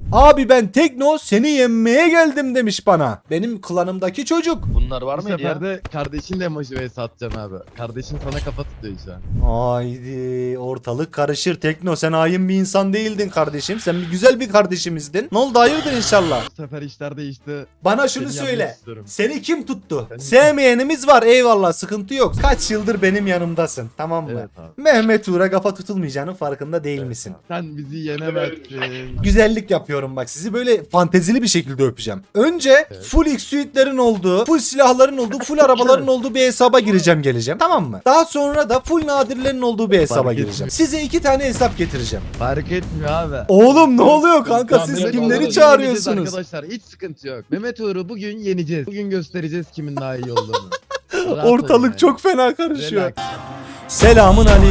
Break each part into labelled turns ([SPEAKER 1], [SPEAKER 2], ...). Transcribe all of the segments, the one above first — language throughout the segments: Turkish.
[SPEAKER 1] Abi ben Tekno seni yenmeye geldim demiş bana. Benim klanımdaki çocuk.
[SPEAKER 2] Bunlar var
[SPEAKER 3] Bu
[SPEAKER 2] mıydı ya?
[SPEAKER 3] sefer de kardeşin de motive satacaksın abi. Kardeşin sana kafa tutuyor şu an.
[SPEAKER 1] Haydi ortalık karışır Tekno, sen hain bir insan değildin kardeşim. Sen bir güzel bir kardeşimizden. Ne oldu, hayırdır inşallah.
[SPEAKER 3] Bu sefer işler değişti.
[SPEAKER 1] Bana şunu
[SPEAKER 3] Seni
[SPEAKER 1] söyle.
[SPEAKER 3] yanmak istiyorum.
[SPEAKER 1] Seni kim tuttu?
[SPEAKER 3] Seni-
[SPEAKER 1] Sevmeyenimiz var, eyvallah, sıkıntı yok. Kaç yıldır benim yanımdasın, tamam mı?
[SPEAKER 3] Evet abi.
[SPEAKER 1] Mehmet Uğur'a kafa tutulmayacağının farkında değil
[SPEAKER 3] Evet
[SPEAKER 1] misin?
[SPEAKER 3] abi. Sen bizi yenemezsin.
[SPEAKER 1] Güzellik yapıyorum bak, sizi böyle fantezili bir şekilde öpeceğim. Önce
[SPEAKER 3] Evet.
[SPEAKER 1] full X-Suite'lerin olduğu, full silahların olduğu, full arabaların olduğu bir hesaba geleceğim, tamam mı? Daha sonra da full nadirlerin olduğu bir hesaba
[SPEAKER 3] Fark
[SPEAKER 1] gireceğim.
[SPEAKER 3] etmiyor.
[SPEAKER 1] Size 2 tane hesap getireceğim.
[SPEAKER 3] Fark etmiyor abi.
[SPEAKER 1] Oğlum ne oluyor kanka,
[SPEAKER 3] Ya
[SPEAKER 1] siz
[SPEAKER 3] Mehmet
[SPEAKER 1] kimleri
[SPEAKER 3] Uğur'u
[SPEAKER 1] çağırıyorsunuz?
[SPEAKER 3] yeneceğiz arkadaşlar, hiç sıkıntı yok. Mehmet Uğur'u bugün yeneceğiz. Bugün göstereceğiz kimin daha iyi olduğunu. Rahat olun
[SPEAKER 1] Ortalık
[SPEAKER 3] yani.
[SPEAKER 1] çok fena karışıyor.
[SPEAKER 3] Relax.
[SPEAKER 1] Selamun aleyküm.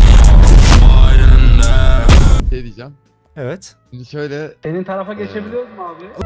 [SPEAKER 3] Şey diyeceğim.
[SPEAKER 1] Evet.
[SPEAKER 3] Şimdi şöyle
[SPEAKER 4] Senin tarafa geçebiliyoruz mu abi?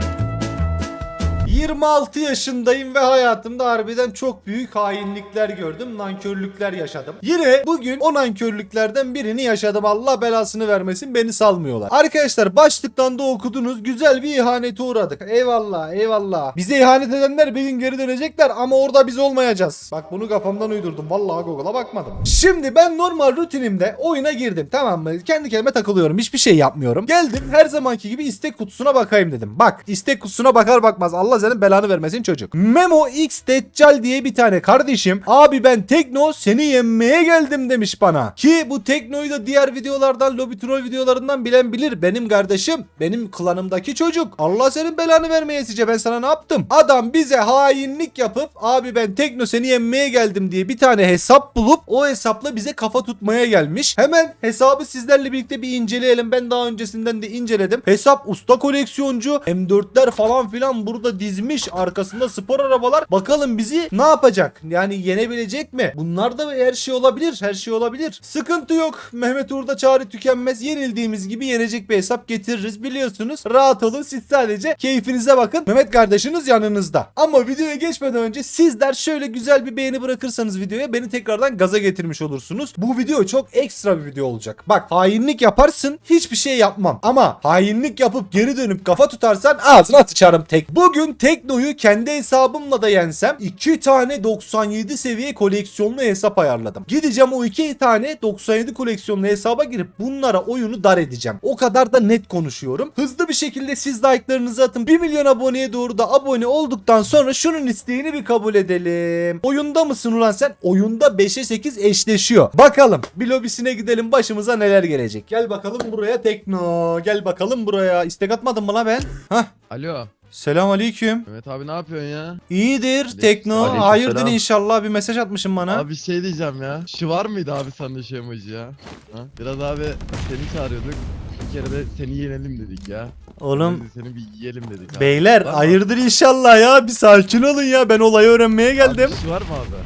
[SPEAKER 1] 26 yaşındayım ve hayatımda harbiden çok büyük hainlikler gördüm, nankörlükler yaşadım. Yine bugün o nankörlüklerden birini yaşadım, Allah belasını vermesin, beni salmıyorlar. Arkadaşlar başlıktan da okudunuz, güzel bir ihanete uğradık. Eyvallah eyvallah. Bize ihanet edenler bir gün geri dönecekler ama orada biz olmayacağız. Bak bunu kafamdan uydurdum, vallahi Google'a bakmadım. Şimdi ben normal rutinimde oyuna girdim, tamam mı? Kendi kendime takılıyorum, hiçbir şey yapmıyorum. Geldim her zamanki gibi istek kutusuna bakayım dedim. Bak istek kutusuna bakar bakmaz Allah senin belanı vermesin çocuk. Memo X Deccal diye bir tane kardeşim, abi ben Tekno seni yenmeye geldim demiş bana. Ki bu Tekno'yu da diğer videolardan, Lobby Troll videolarından bilen bilir. Benim kardeşim, benim klanımdaki çocuk. Allah senin belanı vermeyesice, ben sana ne yaptım? Adam bize hainlik yapıp abi ben Tekno seni yenmeye geldim diye bir tane hesap bulup o hesapla bize kafa tutmaya gelmiş. Hemen hesabı sizlerle birlikte bir inceleyelim. Ben daha öncesinden de inceledim. Hesap usta koleksiyoncu, M4'ler falan filan burada dizmiş. Arkasında spor arabalar. Bakalım bizi ne yapacak? Yani yenebilecek mi? Bunlar da her şey olabilir. Her şey olabilir. Sıkıntı yok. Mehmet Uğur'da çare tükenmez. Yenildiğimiz gibi yenecek bir hesap getiririz. Biliyorsunuz. Rahat olun. Siz sadece keyfinize bakın. Mehmet kardeşiniz yanınızda. Ama videoya geçmeden önce sizler şöyle güzel bir beğeni bırakırsanız videoya beni tekrardan gaza getirmiş olursunuz. Bu video çok ekstra bir video olacak. Bak hainlik yaparsın, hiçbir şey yapmam. Ama hainlik yapıp geri dönüp kafa tutarsan ağzına sıçarım tek. Bugün Tekno'yu kendi hesabımla da yensem 2 tane 97 seviye koleksiyonlu hesap ayarladım. Gideceğim o 2 tane 97 koleksiyonlu hesaba girip bunlara oyunu dar edeceğim. O kadar da net konuşuyorum. Hızlı bir şekilde siz like'larınızı atın. 1 milyon aboneye doğru da abone olduktan sonra şunun isteğini bir kabul edelim. Oyunda mısın ulan sen? Oyunda 5'e 8 eşleşiyor. Bakalım bir lobisine gidelim, başımıza neler gelecek. Gel bakalım buraya Tekno. Gel bakalım buraya. İstek atmadın mı la ben? Hah.
[SPEAKER 3] Alo.
[SPEAKER 1] Selam aleyküm.
[SPEAKER 3] Mehmet abi ne yapıyorsun ya?
[SPEAKER 1] İyidir Tekno.
[SPEAKER 2] Aleykümselam.
[SPEAKER 1] Hayırdır inşallah, bir mesaj atmışım bana.
[SPEAKER 3] Abi şey diyeceğim ya. Şu var mıydı abi sende şu emoji ya? Ha? Biraz abi seni çağırıyorduk. Bir kere de seni yenelim dedik ya.
[SPEAKER 1] Oğlum
[SPEAKER 3] Biz seni bir yiyelim dedik abi.
[SPEAKER 1] beyler
[SPEAKER 3] Var mı?
[SPEAKER 1] hayırdır inşallah ya, bir sakin olun ya, ben olayı öğrenmeye geldim.
[SPEAKER 3] Abi şu var mı abi?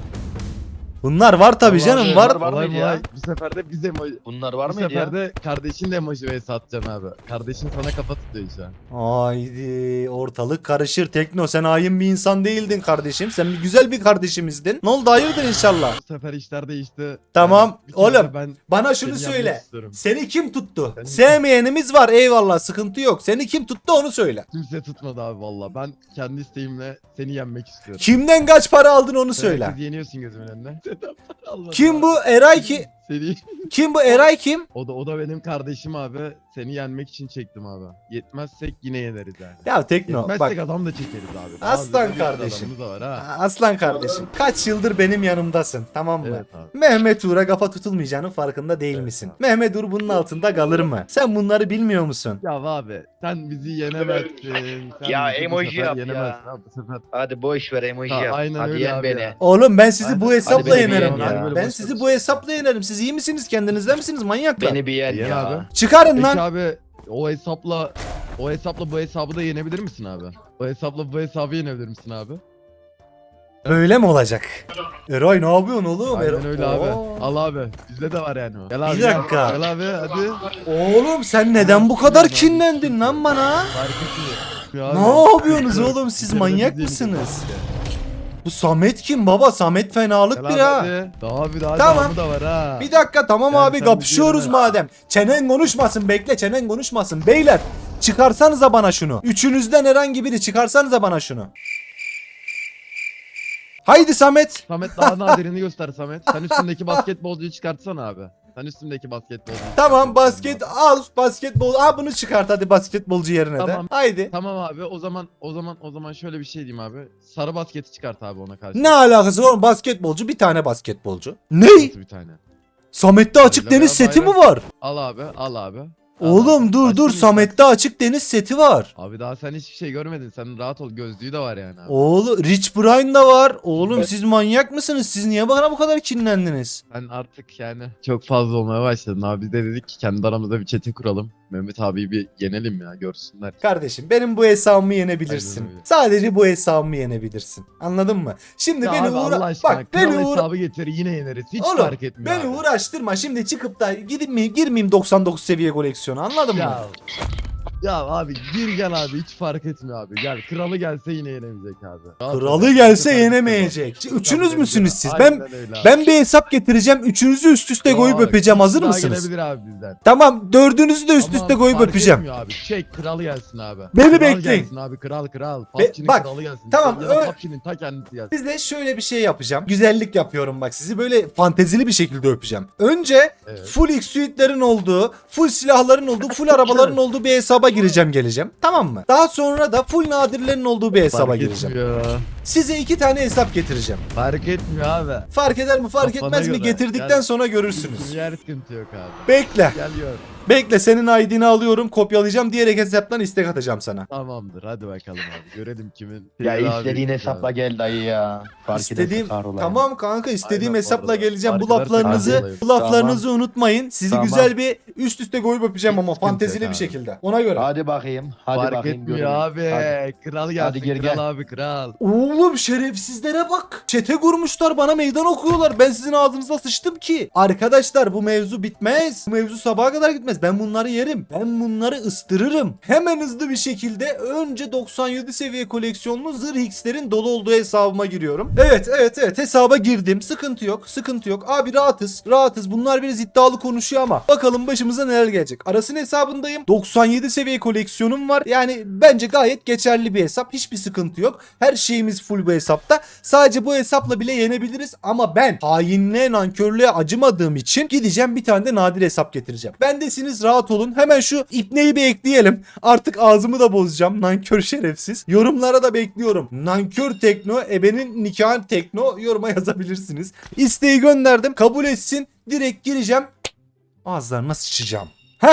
[SPEAKER 1] Bunlar var tabi
[SPEAKER 3] Vallahi
[SPEAKER 1] canım
[SPEAKER 3] abi,
[SPEAKER 1] var.
[SPEAKER 2] Var
[SPEAKER 3] olay
[SPEAKER 2] mıydı ya?
[SPEAKER 3] molay. Bu sefer de biz emoji.
[SPEAKER 2] Bunlar var
[SPEAKER 3] Bu
[SPEAKER 2] mıydı
[SPEAKER 3] sefer
[SPEAKER 2] ya?
[SPEAKER 3] de kardeşin de motive satacaksın abi. Kardeşin sana kafa tutuyor şu an.
[SPEAKER 1] Haydi ortalık karışır Tekno, sen hain bir insan değildin kardeşim. Sen bir güzel bir kardeşimizdin. Ne oldu, hayırdır inşallah.
[SPEAKER 3] Bu sefer işler değişti.
[SPEAKER 1] Tamam,
[SPEAKER 3] Bir kere
[SPEAKER 1] oğlum,
[SPEAKER 3] de ben
[SPEAKER 1] Bana şunu
[SPEAKER 3] seni
[SPEAKER 1] söyle.
[SPEAKER 3] yenmek istiyorum.
[SPEAKER 1] Seni kim tuttu?
[SPEAKER 3] Seni-
[SPEAKER 1] Sevmeyenimiz var, eyvallah, sıkıntı yok. Seni kim tuttu onu söyle.
[SPEAKER 3] Kimse tutmadı abi valla. Ben kendi isteğimle seni yenmek istiyorum.
[SPEAKER 1] Kimden kaç para aldın onu söyle.
[SPEAKER 3] Herkes yeniyorsun gözümün önüne. Allah
[SPEAKER 1] Kim
[SPEAKER 3] Allah.
[SPEAKER 1] bu Eray ki?
[SPEAKER 3] Seni.
[SPEAKER 1] Kim bu Eray kim?
[SPEAKER 3] O da benim kardeşim abi. Seni yenmek için çektim abi. Yetmezsek yine yeneriz yani.
[SPEAKER 1] Ya Tekno
[SPEAKER 3] Yetmezsek
[SPEAKER 1] bak.
[SPEAKER 3] adam da çekeriz abi.
[SPEAKER 1] Aslan
[SPEAKER 3] Bazı
[SPEAKER 1] kardeşim.
[SPEAKER 3] adamımız da var ha.
[SPEAKER 1] Aslan kardeşim, kaç yıldır benim yanımdasın, tamam mı?
[SPEAKER 3] Evet abi.
[SPEAKER 1] Mehmet Uğur'a kafa tutulmayacağının farkında değil
[SPEAKER 3] Evet
[SPEAKER 1] misin?
[SPEAKER 3] abi.
[SPEAKER 1] Mehmet Uğur bunun altında kalır mı? Sen bunları bilmiyor musun?
[SPEAKER 3] Ya abi sen bizi yenemezsin. Sen
[SPEAKER 2] Ya
[SPEAKER 3] bizi bu
[SPEAKER 2] emoji
[SPEAKER 3] sefer
[SPEAKER 2] yap ya.
[SPEAKER 3] yenemezsin abi, bu sefer.
[SPEAKER 2] Hadi boş ver emoji
[SPEAKER 3] Ha,
[SPEAKER 2] yap.
[SPEAKER 3] aynen
[SPEAKER 2] Hadi
[SPEAKER 3] öyle
[SPEAKER 2] yen
[SPEAKER 3] abi
[SPEAKER 2] beni.
[SPEAKER 3] ya.
[SPEAKER 1] Oğlum ben sizi
[SPEAKER 3] Aynen.
[SPEAKER 1] bu hesapla
[SPEAKER 2] Hadi beni
[SPEAKER 1] yenerim
[SPEAKER 2] bir yen
[SPEAKER 1] lan.
[SPEAKER 2] ya.
[SPEAKER 1] Ben sizi bu hesapla yenerim. Siz iyi misiniz? Kendinizden misiniz manyaklar?
[SPEAKER 2] Beni bir yen
[SPEAKER 3] Yen
[SPEAKER 2] ya.
[SPEAKER 3] abi.
[SPEAKER 1] Çıkarın
[SPEAKER 3] Peki
[SPEAKER 1] lan.
[SPEAKER 3] abi o hesapla bu hesabı da yenebilir misin abi? O hesapla bu hesabı yenebilir misin abi?
[SPEAKER 1] Böyle mi olacak? Eray ne yapıyorsun oğlum?
[SPEAKER 3] Aynen öyle abi.
[SPEAKER 1] Oo.
[SPEAKER 3] Al abi. Bizde de var yani o. Gel abi.
[SPEAKER 1] Bir dakika.
[SPEAKER 3] Gel abi hadi.
[SPEAKER 1] Oğlum sen neden bu kadar kinlendin lan bana?
[SPEAKER 3] Fark etmiyor.
[SPEAKER 1] Ne yapıyorsunuz oğlum, siz manyak mısınız? Bu Samet kim baba? Samet fenalık bir ha.
[SPEAKER 3] Daha
[SPEAKER 1] Tamam.
[SPEAKER 3] devamı da var ha.
[SPEAKER 1] Bir dakika tamam
[SPEAKER 3] Yani
[SPEAKER 1] abi,
[SPEAKER 3] sen
[SPEAKER 1] kapışıyoruz
[SPEAKER 3] bizi
[SPEAKER 1] madem. Çenen konuşmasın, bekle, çenen konuşmasın. Beyler Çıkarsanıza bana şunu. Üçünüzden herhangi biri çıkarsanıza bana şunu. Haydi Samet.
[SPEAKER 3] Samet daha nadirini göster Samet. Sen üstündeki basketbolcuyu çıkartsana abi. Sen üstündeki basketbolcuyu
[SPEAKER 1] Tamam
[SPEAKER 3] çıkart.
[SPEAKER 1] basket al. Basketbol. Bunu çıkart hadi basketbolcu yerine
[SPEAKER 3] Tamam.
[SPEAKER 1] de. Haydi.
[SPEAKER 3] Tamam abi o zaman şöyle bir şey diyeyim abi. Sarı basketi çıkart abi ona karşı.
[SPEAKER 1] Ne alakası var? Basketbolcu bir tane basketbolcu. Ne?
[SPEAKER 3] Nasıl bir tane?
[SPEAKER 1] Samet'te açık
[SPEAKER 3] Öyle
[SPEAKER 1] deniz
[SPEAKER 3] veya
[SPEAKER 1] seti mi
[SPEAKER 3] bayrak.
[SPEAKER 1] var?
[SPEAKER 3] Al abi al abi.
[SPEAKER 1] Oğlum dur
[SPEAKER 3] Açtın mı
[SPEAKER 1] Samet'te açık deniz seti var.
[SPEAKER 3] Abi daha sen hiçbir şey görmedin. Sen rahat ol. Gözlüğü de var yani abi.
[SPEAKER 1] Oğlum Rich Brian da var. Oğlum siz manyak mısınız? Siz niye bana bu kadar kinlendiniz?
[SPEAKER 3] Sen artık yani çok fazla olmaya başladın abi. Biz de dedik ki kendi aramızda bir chat'i kuralım. Mehmet abiyi bir yenelim ya görsünler.
[SPEAKER 1] Kardeşim benim bu hesabımı yenebilirsin.
[SPEAKER 3] Aynen öyle.
[SPEAKER 1] Sadece bu hesabımı yenebilirsin. Anladın mı? Şimdi
[SPEAKER 3] Ya
[SPEAKER 1] beni
[SPEAKER 3] abi Allah aşkına
[SPEAKER 1] bak beni
[SPEAKER 3] hesabı getir yine yeneriz. Hiç
[SPEAKER 1] Oğlum,
[SPEAKER 3] fark etmiyor
[SPEAKER 1] beni
[SPEAKER 3] abi.
[SPEAKER 1] uğraştırma. Şimdi çıkıp da girmeyeyim 99 seviye koleksiyonu. Anladın mı?
[SPEAKER 3] Ya abi gir gel abi hiç fark etmiyor abi. Gel kralı gelse yine yenemeyecek abi. Rahat
[SPEAKER 1] Kralı
[SPEAKER 3] ol.
[SPEAKER 1] gelse
[SPEAKER 3] Bu sefer
[SPEAKER 1] yenemeyecek.
[SPEAKER 3] bitti bu.
[SPEAKER 1] Üçünüz
[SPEAKER 3] Tabii
[SPEAKER 1] müsünüz
[SPEAKER 3] tabii.
[SPEAKER 1] siz?
[SPEAKER 3] Aynen öyle abi.
[SPEAKER 1] Ben bir hesap getireceğim. Üçünüzü üst üste koyup
[SPEAKER 3] Yok,
[SPEAKER 1] öpeceğim.
[SPEAKER 3] üç
[SPEAKER 1] Hazır
[SPEAKER 3] daha
[SPEAKER 1] mısınız?
[SPEAKER 3] gelebilir abi bizden.
[SPEAKER 1] Tamam, dördünüzü de üst
[SPEAKER 3] Tamam,
[SPEAKER 1] üste koyup
[SPEAKER 3] fark
[SPEAKER 1] öpeceğim.
[SPEAKER 3] etmiyor abi. Çek kralı gelsin abi.
[SPEAKER 1] Beni
[SPEAKER 3] Kral
[SPEAKER 1] bekleyin.
[SPEAKER 3] gelsin abi kral. PUBG'nin
[SPEAKER 1] bak,
[SPEAKER 3] kralı gelsin.
[SPEAKER 1] tamam,
[SPEAKER 3] Ya da
[SPEAKER 1] öyle-
[SPEAKER 3] PUBG'nin ta kendisi gelsin.
[SPEAKER 1] Size şöyle bir şey yapacağım. Güzellik yapıyorum bak. Sizi böyle fantezili bir şekilde öpeceğim. Önce
[SPEAKER 3] Evet.
[SPEAKER 1] full X suitlerin olduğu, full silahların olduğu, full arabaların olduğu bir hesaba gireceğim geleceğim. Tamam mı? Daha sonra da full nadirlerin olduğu bir hesaba
[SPEAKER 3] Fark
[SPEAKER 1] gireceğim.
[SPEAKER 3] etmiyor.
[SPEAKER 1] Size 2 tane hesap getireceğim.
[SPEAKER 3] Fark etmiyor abi.
[SPEAKER 1] Fark eder mi fark
[SPEAKER 3] Kafana
[SPEAKER 1] etmez mi
[SPEAKER 3] göre.
[SPEAKER 1] getirdikten
[SPEAKER 3] Gel.
[SPEAKER 1] sonra görürsünüz.
[SPEAKER 3] Yer sıkıntı yok abi.
[SPEAKER 1] Bekle.
[SPEAKER 3] Gel gör.
[SPEAKER 1] Bekle senin ID'ni alıyorum, kopyalayacağım, diğer hesaptan istek atacağım sana.
[SPEAKER 3] Tamamdır hadi bakalım abi. Görelim kimin.
[SPEAKER 2] Ya
[SPEAKER 3] Abi,
[SPEAKER 2] istediğin hesapla gel dayı ya. Fark
[SPEAKER 1] İstediğim
[SPEAKER 2] ederse kahrolayım.
[SPEAKER 1] tamam kanka istediğim
[SPEAKER 3] Aynen,
[SPEAKER 1] hesapla
[SPEAKER 3] bu arada.
[SPEAKER 1] geleceğim. Bu
[SPEAKER 3] Fark ederse
[SPEAKER 1] laflarınızı
[SPEAKER 3] kahrolayım.
[SPEAKER 1] bu laflarınızı unutmayın. Sizi
[SPEAKER 2] Tamam.
[SPEAKER 1] güzel bir üst üste koyup öpeceğim ama
[SPEAKER 3] Hiç sıkıntı
[SPEAKER 1] fantezili
[SPEAKER 3] yok
[SPEAKER 1] bir
[SPEAKER 3] abi.
[SPEAKER 1] şekilde. Ona göre.
[SPEAKER 2] Hadi bakayım. Hadi
[SPEAKER 3] Fark
[SPEAKER 2] bakayım.
[SPEAKER 3] etmiyor
[SPEAKER 2] görelim.
[SPEAKER 3] abi.
[SPEAKER 2] Hadi.
[SPEAKER 3] Kral gelsin.
[SPEAKER 2] Hadi geri
[SPEAKER 3] kral
[SPEAKER 2] gel.
[SPEAKER 3] abi kral.
[SPEAKER 1] Oğlum şerefsizlere bak. Çete kurmuşlar bana meydan okuyorlar. Ben sizin ağzınıza sıçtım ki. Arkadaşlar bu mevzu bitmez. Bu mevzu sabaha kadar gitmez. Ben bunları yerim. Ben bunları ıstırırım. Hemen hızlı bir şekilde önce 97 seviye koleksiyonlu zırh X'lerin dolu olduğu hesabıma giriyorum. Evet hesaba girdim. Sıkıntı yok. Sıkıntı yok. Abi rahatız. Rahatız. Bunlar biraz iddialı konuşuyor ama bakalım başımıza neler gelecek. Aras'ın hesabındayım. 97 seviye koleksiyonum var. Yani bence gayet geçerli bir hesap. Hiçbir sıkıntı yok. Her şeyimiz full bu hesapta. Sadece bu hesapla bile yenebiliriz ama ben hainliğe, nankörlüğe acımadığım için gideceğim bir tane de nadir hesap getireceğim. Bendesiniz rahat olun. Hemen şu ipneyi bir ekleyelim. Artık ağzımı da bozacağım. Nankör şerefsiz. Yorumlara da bekliyorum. Nankör tekno, ebenin nikahın tekno yoruma yazabilirsiniz. İsteği gönderdim. Kabul etsin. Direkt gireceğim. Ağızlarına sıçacağım.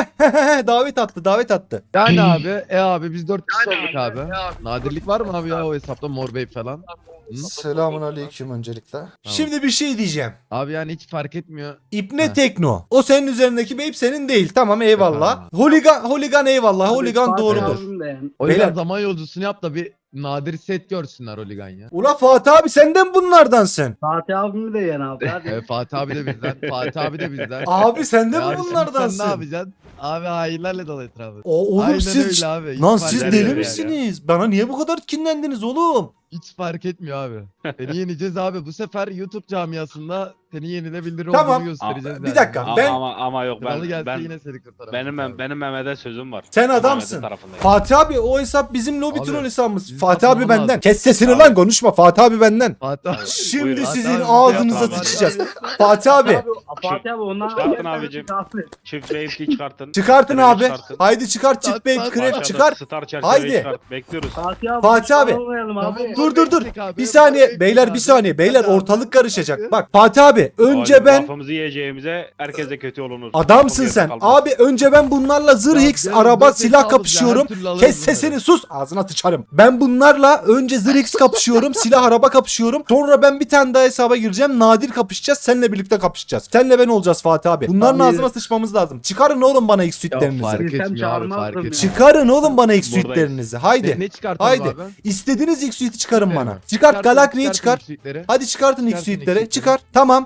[SPEAKER 1] Davet attı.
[SPEAKER 3] Yani abi biz 4 kişi olduk abi. Nadirlik var mı abi ya o hesapta Mor Bey falan? Hı?
[SPEAKER 1] Selamun aleyküm öncelikle. Şimdi bir şey diyeceğim.
[SPEAKER 3] Abi yani hiç fark etmiyor.
[SPEAKER 1] İpne
[SPEAKER 3] Heh.
[SPEAKER 1] Tekno. O senin üzerindeki babe senin değil. Tamam eyvallah.
[SPEAKER 3] Efendim.
[SPEAKER 1] Holigan eyvallah. Holigan
[SPEAKER 4] Fatih
[SPEAKER 1] doğrudur.
[SPEAKER 4] abim de yani.
[SPEAKER 3] O
[SPEAKER 1] Beyler-
[SPEAKER 3] yüzden zaman yolcusunu yap da bir nadir set görsünler Oligan ya.
[SPEAKER 1] Ula Fatih abi senden bunlardansın.
[SPEAKER 4] Fatih abimi de yani abi. Hadi.
[SPEAKER 3] Fatih abi de bizden. Fatih abi de bizden.
[SPEAKER 1] Abi sen de
[SPEAKER 3] Ya
[SPEAKER 1] mi
[SPEAKER 3] şimdi
[SPEAKER 1] bunlardansın?
[SPEAKER 3] Sen ne yapacaksın? Abi hainlerle dolu etrafı.
[SPEAKER 1] Oğlum
[SPEAKER 3] Aynen
[SPEAKER 1] siz
[SPEAKER 3] öyle abi. Hiç
[SPEAKER 1] lan
[SPEAKER 3] fark
[SPEAKER 1] siz
[SPEAKER 3] etmiyor
[SPEAKER 1] deli
[SPEAKER 3] yani.
[SPEAKER 1] misiniz? Bana niye bu kadar kinlendiniz oğlum?
[SPEAKER 3] Hiç fark etmiyor abi. Seni yeneceğiz abi. Bu sefer YouTube camiasında seni yenilebilir
[SPEAKER 1] Tamam.
[SPEAKER 3] olduğunu göstereceğiz.
[SPEAKER 1] Bir dakika.
[SPEAKER 5] Ama yok
[SPEAKER 3] Kralı
[SPEAKER 5] ben
[SPEAKER 3] gelse yine seni kurtaramaz.
[SPEAKER 5] benim Mehmet'e sözüm var.
[SPEAKER 1] Sen
[SPEAKER 5] Mehmet'in
[SPEAKER 1] adamsın.
[SPEAKER 5] tarafındayım.
[SPEAKER 1] Fatih abi o hesap bizim lobi
[SPEAKER 3] Abi,
[SPEAKER 1] troll hesabımız.
[SPEAKER 3] bizim
[SPEAKER 1] Fatih abi
[SPEAKER 3] satmamız
[SPEAKER 1] benden.
[SPEAKER 3] lazım.
[SPEAKER 1] Kes sesini
[SPEAKER 5] Abi.
[SPEAKER 1] lan konuşma. Fatih abi benden.
[SPEAKER 3] Fatih abi.
[SPEAKER 1] Şimdi
[SPEAKER 5] Buyurun.
[SPEAKER 1] sizin
[SPEAKER 3] Fatih abi,
[SPEAKER 1] ağzınıza
[SPEAKER 5] Fatih abi.
[SPEAKER 1] sıçacağız. Fatih abi
[SPEAKER 4] Fatih abi ondan
[SPEAKER 5] Çıkartın abicim. Çift wave'li çıkartın.
[SPEAKER 1] çıkartın
[SPEAKER 5] Treni
[SPEAKER 1] abi.
[SPEAKER 5] çıkartın.
[SPEAKER 1] Haydi çıkart çift bey
[SPEAKER 3] Bak,
[SPEAKER 1] krep
[SPEAKER 5] Aşağıda
[SPEAKER 1] çıkar.
[SPEAKER 5] Star çerçeveyi
[SPEAKER 1] Haydi.
[SPEAKER 5] çıkart. Bekliyoruz.
[SPEAKER 4] Fatih abi.
[SPEAKER 1] Fatih abi.
[SPEAKER 4] Olmayalım abi.
[SPEAKER 1] Dur. Bir saniye beyler bir saniye. Beyler ortalık karışacak. Bak Fatih abi önce
[SPEAKER 5] Oğlum,
[SPEAKER 1] ben
[SPEAKER 5] Lafımızı yiyeceğimize herkese kötü olunuz.
[SPEAKER 1] adamsın
[SPEAKER 5] Lafım
[SPEAKER 1] sen.
[SPEAKER 5] geride kalmaz.
[SPEAKER 1] Abi önce ben bunlarla zırh
[SPEAKER 3] Ya
[SPEAKER 1] X
[SPEAKER 3] ben
[SPEAKER 1] araba
[SPEAKER 3] dört
[SPEAKER 1] silah
[SPEAKER 3] hesabız ya,
[SPEAKER 1] kapışıyorum.
[SPEAKER 3] her türlü alırız
[SPEAKER 1] Kes
[SPEAKER 3] bunları.
[SPEAKER 1] sesini sus. Ağzına tıçarım. Ben bunlarla önce zırh X kapışıyorum. Silah araba kapışıyorum. Sonra ben bir tane daha hesaba gireceğim. Nadir kapışacağız. Seninle birlikte kapışacağız. Seninle ben olacağız Fatih abi. Bunların
[SPEAKER 4] Abi.
[SPEAKER 1] ağzına sıçmamız lazım. Çıkarın oğlum bana X suitlerinizi.
[SPEAKER 3] Fark
[SPEAKER 4] Bilsem
[SPEAKER 3] etmiyor abi fark
[SPEAKER 4] çağırmazdım
[SPEAKER 3] etmiyor.
[SPEAKER 4] ya.
[SPEAKER 1] Çıkarın oğlum bana X
[SPEAKER 5] Buradayız.
[SPEAKER 1] suitlerinizi. Haydi.
[SPEAKER 3] Ne çıkartalım
[SPEAKER 1] Haydi.
[SPEAKER 3] abi?
[SPEAKER 1] İstediğiniz X suite'i çıkarın
[SPEAKER 3] Evet.
[SPEAKER 1] bana. Çıkart
[SPEAKER 3] Çıkartın,
[SPEAKER 1] Galakri'yi
[SPEAKER 3] çıkartın
[SPEAKER 1] çıkar.
[SPEAKER 3] suitleri.
[SPEAKER 1] Hadi çıkartın X
[SPEAKER 3] Çıkartın
[SPEAKER 1] suite'leri.
[SPEAKER 3] X
[SPEAKER 1] Çıkar. Tamam.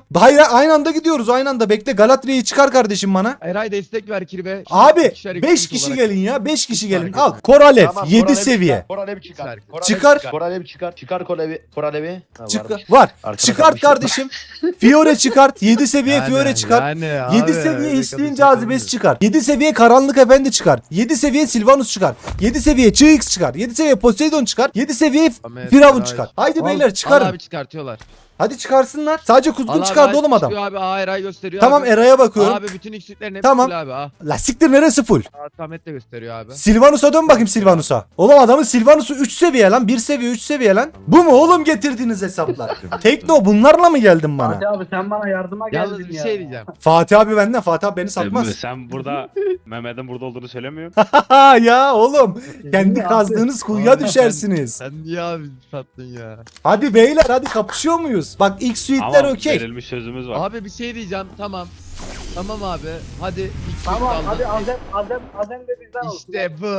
[SPEAKER 1] Hayır aynı anda gidiyoruz aynı anda. Bekle Galatria'yı çıkar kardeşim bana.
[SPEAKER 3] Eray destek ver Kirbe.
[SPEAKER 1] Abi
[SPEAKER 3] İkişer
[SPEAKER 1] 5
[SPEAKER 3] ikişer
[SPEAKER 1] kişi
[SPEAKER 3] olarak-
[SPEAKER 1] gelin ya. 5 kişi gelin.
[SPEAKER 3] Fark
[SPEAKER 1] Al.
[SPEAKER 3] etmez.
[SPEAKER 1] Koralev
[SPEAKER 2] Tamam,
[SPEAKER 1] 7
[SPEAKER 2] Koralev
[SPEAKER 1] seviye.
[SPEAKER 2] çıkar, Koralev çıkar. Koralev
[SPEAKER 1] Çıkar.
[SPEAKER 2] Koralev çıkar. Çıkar Koralevi. Ha,
[SPEAKER 1] Çık
[SPEAKER 2] varmış.
[SPEAKER 1] var.
[SPEAKER 2] Arkada
[SPEAKER 1] Çıkart
[SPEAKER 2] kalmış.
[SPEAKER 1] kardeşim. Fiore çıkart. 7 seviye Fiore çıkart.
[SPEAKER 3] Yani
[SPEAKER 1] 7
[SPEAKER 3] abi,
[SPEAKER 1] seviye
[SPEAKER 3] öyle
[SPEAKER 1] içtiğin
[SPEAKER 3] kadın
[SPEAKER 1] cazibesi çıkar. 7 seviye Karanlık Efendi çıkar. 7 seviye Silvanus çıkar. 7 seviye Çıx çıkar. 7 seviye Poseidon çıkar. 7 seviye
[SPEAKER 3] Ahmet,
[SPEAKER 1] Firavun
[SPEAKER 3] Eray.
[SPEAKER 1] çıkar. Haydi
[SPEAKER 3] Al,
[SPEAKER 1] beyler
[SPEAKER 3] al
[SPEAKER 1] çıkarın.
[SPEAKER 3] abi çıkartıyorlar.
[SPEAKER 1] Hadi çıkarsınlar. Sadece
[SPEAKER 3] Al
[SPEAKER 1] kuzgun
[SPEAKER 3] abi,
[SPEAKER 1] çıkardı
[SPEAKER 3] Eray
[SPEAKER 1] oğlum adam.
[SPEAKER 3] çıkıyor Abi, Eray gösteriyor
[SPEAKER 1] Tamam
[SPEAKER 3] abi.
[SPEAKER 1] Eray'a bakıyorum.
[SPEAKER 3] Abi bütün X'liklerin hepsi
[SPEAKER 1] Tamam.
[SPEAKER 3] full abi.
[SPEAKER 1] La siktir neresi full?
[SPEAKER 3] Samet de gösteriyor abi.
[SPEAKER 1] Silvanus'a dön bakayım Silvanus'a. Oğlum adamın Silvanus'u 3 seviye lan. 1 seviye 3 seviye lan. Bu mu oğlum getirdiğiniz hesaplar? Tekno bunlarla mı geldin bana?
[SPEAKER 4] Fatih abi sen bana yardıma geldin
[SPEAKER 3] Yalnız bir
[SPEAKER 4] ya.
[SPEAKER 3] şey diyeceğim.
[SPEAKER 1] Fatih abi benden. Fatih abi beni satmaz.
[SPEAKER 5] Sen burada Mehmet'in burada olduğunu söylemiyorsun.
[SPEAKER 1] Ha ya oğlum. Kendi
[SPEAKER 4] abi.
[SPEAKER 1] kazdığınız kuyuya
[SPEAKER 3] Abi,
[SPEAKER 1] düşersiniz.
[SPEAKER 3] Sen niye abi sattın ya?
[SPEAKER 1] Hadi beyler hadi kapışıyor muyuz? Bak ilk suite'ler
[SPEAKER 5] Ama
[SPEAKER 1] okey.
[SPEAKER 5] verilmiş sözümüz var.
[SPEAKER 3] Abi bir şey diyeceğim tamam. Tamam abi. Hadi ilk
[SPEAKER 4] Tamam
[SPEAKER 3] aldım.
[SPEAKER 4] hadi Azem de bizden olsun.
[SPEAKER 3] İşte bu.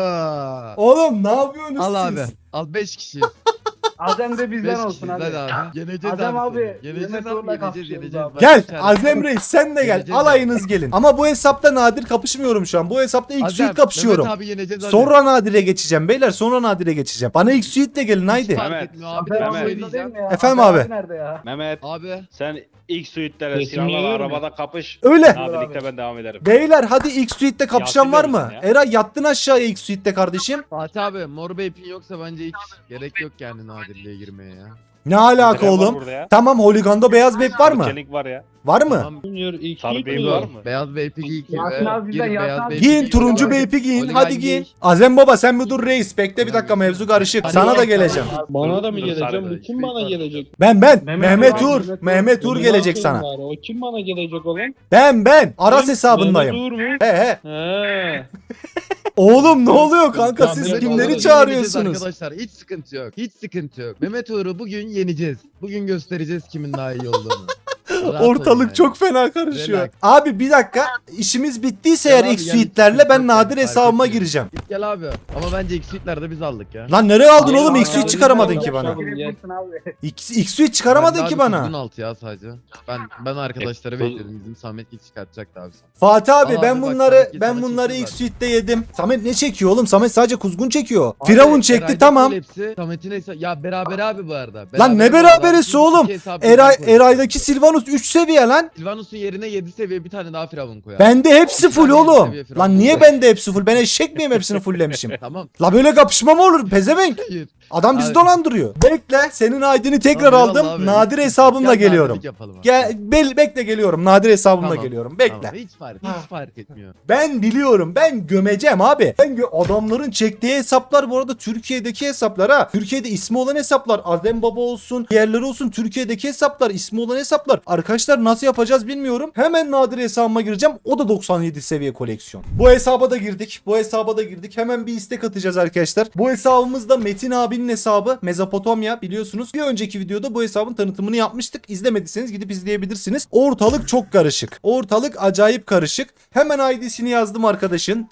[SPEAKER 1] Oğlum ne yapıyorsunuz
[SPEAKER 3] Al
[SPEAKER 1] siz?
[SPEAKER 3] abi. Al 5 kişiyiz.
[SPEAKER 4] Azem de
[SPEAKER 3] 5
[SPEAKER 4] bizden olsun
[SPEAKER 3] kişiyiz
[SPEAKER 4] hadi.
[SPEAKER 3] hadi abi. Yeneceğiz
[SPEAKER 4] Azem
[SPEAKER 3] abi.
[SPEAKER 4] abi,
[SPEAKER 3] seni. Yeneceğiz
[SPEAKER 4] Mehmet
[SPEAKER 3] abi.
[SPEAKER 4] Uğur'la
[SPEAKER 3] Yeneceğiz
[SPEAKER 4] kapışıyoruz
[SPEAKER 3] yeneceğiz.
[SPEAKER 4] abi.
[SPEAKER 3] Bak,
[SPEAKER 1] Gel
[SPEAKER 3] içeride.
[SPEAKER 1] Azem Reis sen de gel.
[SPEAKER 3] Geleceğiz
[SPEAKER 1] Alayınız gelin. Ama bu hesapta nadir kapışmıyorum şu an. Bu hesapta ilk
[SPEAKER 3] Azem,
[SPEAKER 1] suite kapışıyorum.
[SPEAKER 3] Mehmet abi yeneceğiz hadi.
[SPEAKER 1] Sonra nadire geçeceğim beyler. Sonra nadire geçeceğim. Bana ilk suite'le gelin haydi.
[SPEAKER 3] Fark
[SPEAKER 5] Mehmet,
[SPEAKER 3] etmiyor abi.
[SPEAKER 4] Azem
[SPEAKER 3] Ben
[SPEAKER 4] abi
[SPEAKER 5] Mehmet.
[SPEAKER 3] şey
[SPEAKER 4] oyunda değil
[SPEAKER 3] diyeceğim.
[SPEAKER 4] mi ya?
[SPEAKER 1] Efendim
[SPEAKER 4] Azem
[SPEAKER 1] abi.
[SPEAKER 4] nerede ya?
[SPEAKER 5] Mehmet
[SPEAKER 3] Abi.
[SPEAKER 5] sen ilk suite'lere
[SPEAKER 6] Resim
[SPEAKER 5] silahlarla
[SPEAKER 6] geliyor mu?
[SPEAKER 5] arabada kapış.
[SPEAKER 1] Öyle.
[SPEAKER 5] Nadirlikte ben devam ederim.
[SPEAKER 1] Beyler hadi ilk suite'te kapışan
[SPEAKER 5] Yasin
[SPEAKER 1] var mı?
[SPEAKER 5] verirsin ya.
[SPEAKER 1] Eray yattın aşağıya ilk suite'te kardeşim.
[SPEAKER 3] Fatih abi mor beypin yoksa bence hiç gerek yok yani nadirliğe girmeye ya.
[SPEAKER 1] Ne alaka
[SPEAKER 5] Tren var
[SPEAKER 1] oğlum?
[SPEAKER 5] burada ya.
[SPEAKER 1] Tamam Holigan'da beyaz bek var mı?
[SPEAKER 5] Çelik var ya.
[SPEAKER 1] Var mı?
[SPEAKER 3] Tamam.
[SPEAKER 6] Junior ilk
[SPEAKER 5] Sarı
[SPEAKER 6] ilk
[SPEAKER 5] beyin
[SPEAKER 6] mi?
[SPEAKER 5] var mı?
[SPEAKER 3] Beyaz beypi giy ki.
[SPEAKER 4] Yasin abi bizden, Yasin abi.
[SPEAKER 1] Giyin turuncu
[SPEAKER 3] beypi.
[SPEAKER 1] beypi giyin.
[SPEAKER 3] Holigan
[SPEAKER 1] Hadi
[SPEAKER 3] giy.
[SPEAKER 1] giyin. Azem baba sen bir dur reis. Bekle bir dakika mevzu karışık.
[SPEAKER 3] Hadi
[SPEAKER 1] Sana
[SPEAKER 3] gel.
[SPEAKER 1] da geleceğim.
[SPEAKER 6] Bana da mı
[SPEAKER 5] Dur,
[SPEAKER 6] geleceğim?
[SPEAKER 5] sarı
[SPEAKER 6] Bu kim bana gelecek?
[SPEAKER 1] Ben.
[SPEAKER 4] Mehmet
[SPEAKER 1] Mehmet
[SPEAKER 4] Uğur,
[SPEAKER 1] Uğur.
[SPEAKER 4] Mehmet Uğur.
[SPEAKER 1] Mehmet Uğur
[SPEAKER 6] Beni
[SPEAKER 1] gelecek
[SPEAKER 6] ne
[SPEAKER 1] sana.
[SPEAKER 6] yapayım bari? O kim bana gelecek olan?
[SPEAKER 1] Ben. Aras
[SPEAKER 6] Kim?
[SPEAKER 1] hesabındayım.
[SPEAKER 6] Mehmet Uğur mu?
[SPEAKER 1] He he.
[SPEAKER 6] He.
[SPEAKER 1] Oğlum ne oluyor kanka
[SPEAKER 6] Ya
[SPEAKER 1] siz
[SPEAKER 6] Mehmet
[SPEAKER 1] kimleri
[SPEAKER 6] Uğur'u
[SPEAKER 1] çağırıyorsunuz?
[SPEAKER 3] Arkadaşlar hiç sıkıntı yok. Hiç sıkıntı yok. Mehmet Uğur'u bugün yeneceğiz. Bugün göstereceğiz kimin daha iyi olduğunu. Rahat olun
[SPEAKER 1] Ortalık
[SPEAKER 3] yani.
[SPEAKER 1] çok fena karışıyor.
[SPEAKER 3] Relax.
[SPEAKER 1] Abi bir dakika işimiz bittiyse
[SPEAKER 3] Gel
[SPEAKER 1] eğer
[SPEAKER 3] abi,
[SPEAKER 1] ilk
[SPEAKER 3] gel.
[SPEAKER 1] suite'lerle ben
[SPEAKER 3] Çok
[SPEAKER 1] nadir
[SPEAKER 3] fark
[SPEAKER 1] hesabıma
[SPEAKER 3] etmiyor.
[SPEAKER 1] gireceğim.
[SPEAKER 3] Git gel abi. Ama bence X-Suite'lerde biz aldık ya.
[SPEAKER 1] Lan nereye aldın
[SPEAKER 6] Hayır,
[SPEAKER 1] oğlum?
[SPEAKER 6] abi,
[SPEAKER 1] İlk suite
[SPEAKER 6] abi,
[SPEAKER 1] çıkaramadın
[SPEAKER 6] abi,
[SPEAKER 1] ki bana.
[SPEAKER 6] abi.
[SPEAKER 4] Girebilirsin abi.
[SPEAKER 1] İlk suite çıkaramadın
[SPEAKER 3] Ben de
[SPEAKER 1] ki
[SPEAKER 3] abi
[SPEAKER 1] bana.
[SPEAKER 3] kuzgun altı ya sadece. Ben arkadaşları bekliyordum. Bizim Samet git çıkartacaktı abi.
[SPEAKER 1] Fatih abi
[SPEAKER 3] Al
[SPEAKER 1] ben
[SPEAKER 3] abi, bak,
[SPEAKER 1] bunları
[SPEAKER 3] Samet
[SPEAKER 1] ben
[SPEAKER 3] sana
[SPEAKER 1] bunları
[SPEAKER 3] çekti
[SPEAKER 1] ilk
[SPEAKER 3] zaten.
[SPEAKER 1] suite'de yedim. Samet ne çekiyor oğlum? Samet sadece kuzgun çekiyor.
[SPEAKER 3] Abi,
[SPEAKER 1] Firavun çekti
[SPEAKER 3] Eray'da
[SPEAKER 1] tamam.
[SPEAKER 3] full Hepsi. Samet'in ya beraber abi bu arada.
[SPEAKER 1] Lan ne
[SPEAKER 3] bu arada.
[SPEAKER 1] beraberisi
[SPEAKER 3] İki
[SPEAKER 1] oğlum?
[SPEAKER 3] hesabı
[SPEAKER 1] Eray
[SPEAKER 3] birden koyduk.
[SPEAKER 1] Eray'daki Silvanus 3 seviye lan.
[SPEAKER 3] Silvanus'un yerine 7 seviye bir tane daha Firavun koyar.
[SPEAKER 1] Bende hepsi
[SPEAKER 3] Bir
[SPEAKER 1] full
[SPEAKER 3] tane
[SPEAKER 1] oğlum.
[SPEAKER 3] seviye Firavun
[SPEAKER 1] Lan niye
[SPEAKER 3] koyar.
[SPEAKER 1] bende hepsi full? Ben eşek miyim hepsini fulllemişim?
[SPEAKER 3] Tamam.
[SPEAKER 1] La böyle kapışma mı olur? Pezevenk.
[SPEAKER 3] Hayır.
[SPEAKER 1] Adam bizi
[SPEAKER 3] Abi.
[SPEAKER 1] dolandırıyor. Bekle senin ID'ni tekrar
[SPEAKER 3] Tamam,
[SPEAKER 1] aldım.
[SPEAKER 3] eyvallah abi.
[SPEAKER 1] Nadir hesabımla
[SPEAKER 3] Gel,
[SPEAKER 1] geliyorum.
[SPEAKER 3] nadirlik yapalım abi.
[SPEAKER 1] Gel bekle geliyorum. Nadir hesabımla
[SPEAKER 3] Tamam,
[SPEAKER 1] geliyorum. Bekle.
[SPEAKER 3] Tamam, hiç fark etmiyor.
[SPEAKER 1] Ben biliyorum. Ben gömeceğim abi. Adamların çektiği hesaplar bu arada Türkiye'deki hesaplar ha. Türkiye'de ismi olan hesaplar. Azem Baba olsun, diğerleri olsun. Türkiye'deki hesaplar, ismi olan hesaplar. Arkadaşlar nasıl yapacağız bilmiyorum. Hemen Nadir hesabıma gireceğim. O da 97 seviye koleksiyon. Bu hesaba da girdik. Hemen bir istek atacağız arkadaşlar. Bu hesabımız da Metin abinin hesabı. Mezopotamya biliyorsunuz. Bir önceki videoda bu hesabın tanıtımını yapmıştık. İzlemediyseniz gidip izleyebilirsiniz. Ortalık çok karışık. Ortalık acayip karışık. Hemen ID'sini yazdım arkadaşın.